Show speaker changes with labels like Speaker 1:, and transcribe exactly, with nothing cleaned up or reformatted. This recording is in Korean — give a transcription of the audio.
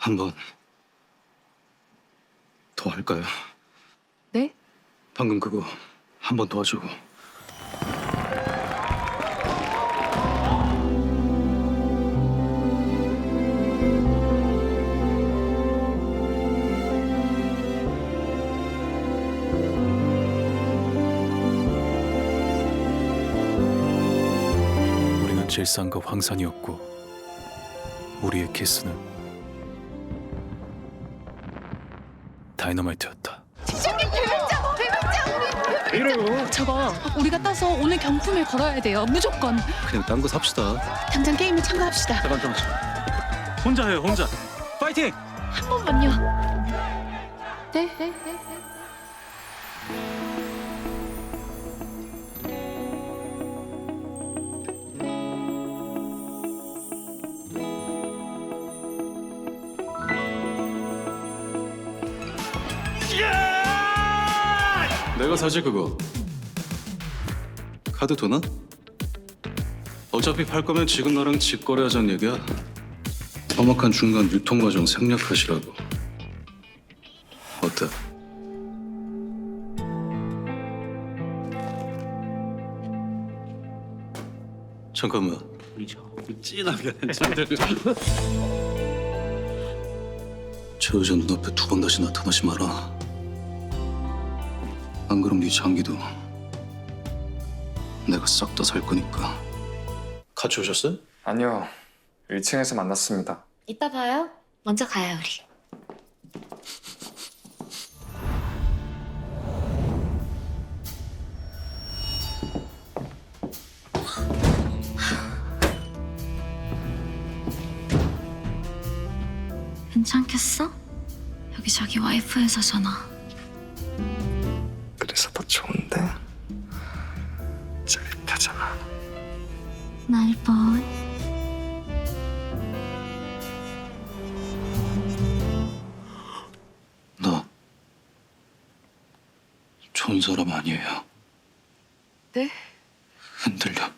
Speaker 1: 한 번 더 할까요?
Speaker 2: 네?
Speaker 1: 방금 그거 한 번 도와주고. 우리는 질산과 황산이었고 우리의 키스는 다이너마이트였다.
Speaker 2: 시장님 대백장! 대백장!
Speaker 1: 이래요?
Speaker 2: 저거 우리가 따서 오늘 경품에 걸어야 돼요. 무조건.
Speaker 1: 그냥 딴 거 삽시다.
Speaker 2: 당장 게임에 참가합시다.
Speaker 1: 잠깐 잠깐. 혼자 해요 혼자. 파이팅!
Speaker 2: 한 번만요. 네? 네? 네? 네.
Speaker 1: 내가 사지 그거. 카드 도나? 어차피 팔 거면 지금 나랑 직거래하자는 얘기야. 험악한 중간 유통 과정 생략하시라고. 어때? 잠깐만.
Speaker 3: 진하게
Speaker 1: 저 여자 눈앞에 두 번 다시 나타나지 마라. 안 그럼 네 장기도 내가 싹 다 살 거니까. 같이 오셨어요?
Speaker 4: 아니요. 일 층에서 만났습니다.
Speaker 5: 이따 봐요. 먼저 가요, 우리. 괜찮겠어? 여기 자기 와이프 회사잖아.
Speaker 4: 그래서 더 좋은데? 짜릿하잖아.
Speaker 5: 날 봐.
Speaker 1: 나 좋은 사람 아니에요.
Speaker 2: 네?
Speaker 1: 흔들려.